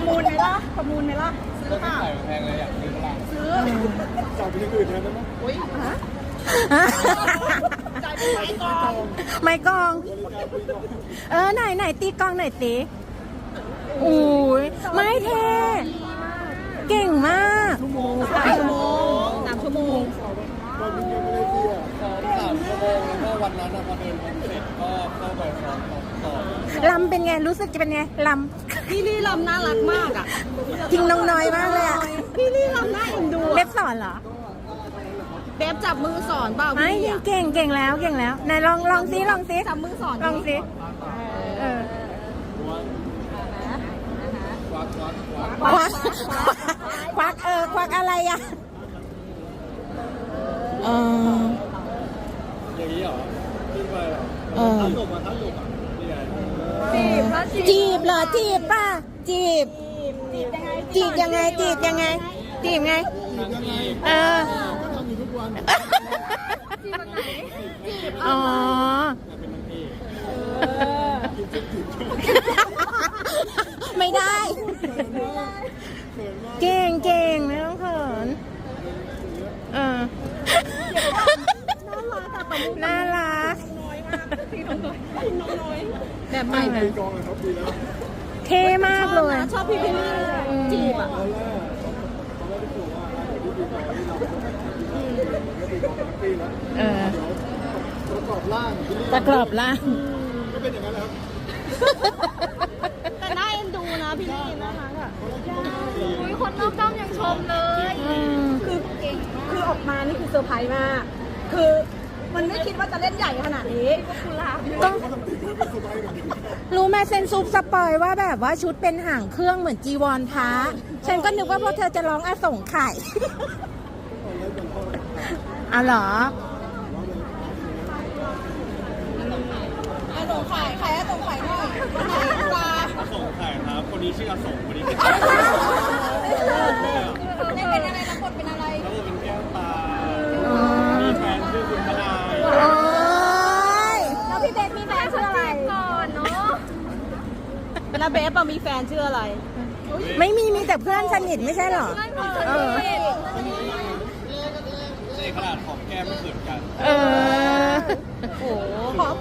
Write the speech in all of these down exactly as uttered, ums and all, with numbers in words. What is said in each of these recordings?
มูลไหมล่ะประมูลไหมล่ะซื้อเปล่าแพงเลยอยากซื้อเปล่าซื้อจ่ายไปที่อื่นแทนได้ไหมอุ้ยฮะจ่ายไปไหนก่อนไม่กอง เออไหนไหนตีกองไหนตีอุ้ยไม่เทเก่งมากชั่วโมงสามชั่วโมงสามชั่วโมงวันนี้ยังไม่ได้เที่ยวซ้อมสามชั่วโมงแล้วก็วันนั้นพอเดินวันเสร็จก็เข้าไปซ้อมต่อลำเป็นไงรู้สึกจะเป็นไงลพี่ลี่ลำน่ารักมากอ่ะำทิ้งน้องน้อยมากเลยอะพี่ลี่ลำน่าเอ็นดูเล็บสอนเหรอเบบจับมือสอนเปล่าไม่พี่เก่งเก่งแล้วเก่งแล้วไหนลองลองซิลองซิจับมือสอนลองซิเออควักควักควักควักควักเออควักอะไรอ่ะเอออย่างนี้เหรอขึ้นไปเหรอเออท้าหลบมาท้าหลบอ่ะนี่ไงจีบแล้วจีบจีบเหรอจีบป่ะจีบจีบยังไงจีบยังไงจีบยังไงจีบไงทางที่เออก็ทำอยู่ทุกวันจีบวันไหนจีบอ๋อเป็นนางเอกไม่ได้ เก่งเก่งไม่ต้องเขินเออน่ารักแบบใหม่ไหมกองเลยครับดีแล้วเท่มากเลยชอบพี่พี่ลี่จีบอ่ะตอนแรกตอนแรกที่ผมว่าที่ดีกองที่เราก็ดีกองทั้งปีแล้วเออเดี๋ยวประกอบร่างประกรอบล่างก็เป็นอย่างนั้นครับแต่น่าเอ็นดูนะพี่ลี่น่ารักอ่ะอุ้ยคนนอกด้อมยังชมเลยอืมคือคือออกมานี่คือเซอร์ไพรส์มาก คือมันไม่คิดว่าจะเล่นใหญ่ขนาดนี้ต้องรู้ไหมเซนซุปสปอยว่าแบบว่าชุดเป็นหางเครื่องเหมือนจีวรพระฉันก็นึกว่าพวกเธอจะร้องอาสงไข่อ๋อเหรออาสงไข่ใครอาสงไข่หน่อยปลาอสงไข่ครับคนนี้ชื่ออสงคนนี้เป็นเล่นเป็นอะไรรับบทเป็นอะไรแล้วก็เป็นแก้วตามีแฟนชื่อคุณพนายโอ้ยแล้วพี่เบสมีแฟนชื่ออะไรก่อนเนาะแล้วเบสอะมีแฟนชื่ออะไรไม่มีมีแต่เพื่อนสนิทไม่ใช่เหรอ เออในขนาดของแก้มไม่เขินกันเออโอ้โหพร้อม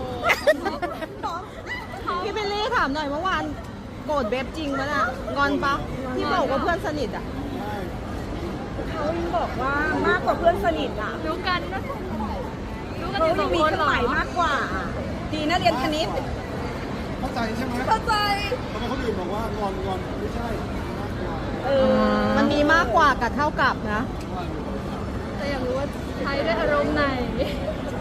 พี่เบลลี่ถามหน่อยเมื่อวานโกรธเบฟจริงปะน่ะงอนปะที่บอกว่าเพื่อนสนิทอ่ะเขาบอกว่ามากกว่าเพื่อนสนิทอ่ะรู้กันนะรู้กันเขาอยู่สองมีคนเครื่องเหรอหมายมากกว่า ดีนะเรียนคณิตเข้าใจใช่ไหมเข้าใจทำไมคนอื่นบอกว่างอนงอนไม่ใช่มากกว่าเออมันมีมากกว่ากับเท่ากับนะแต่อยากรู้ว่าใช้ด้วยอารมณ์ไหนใช้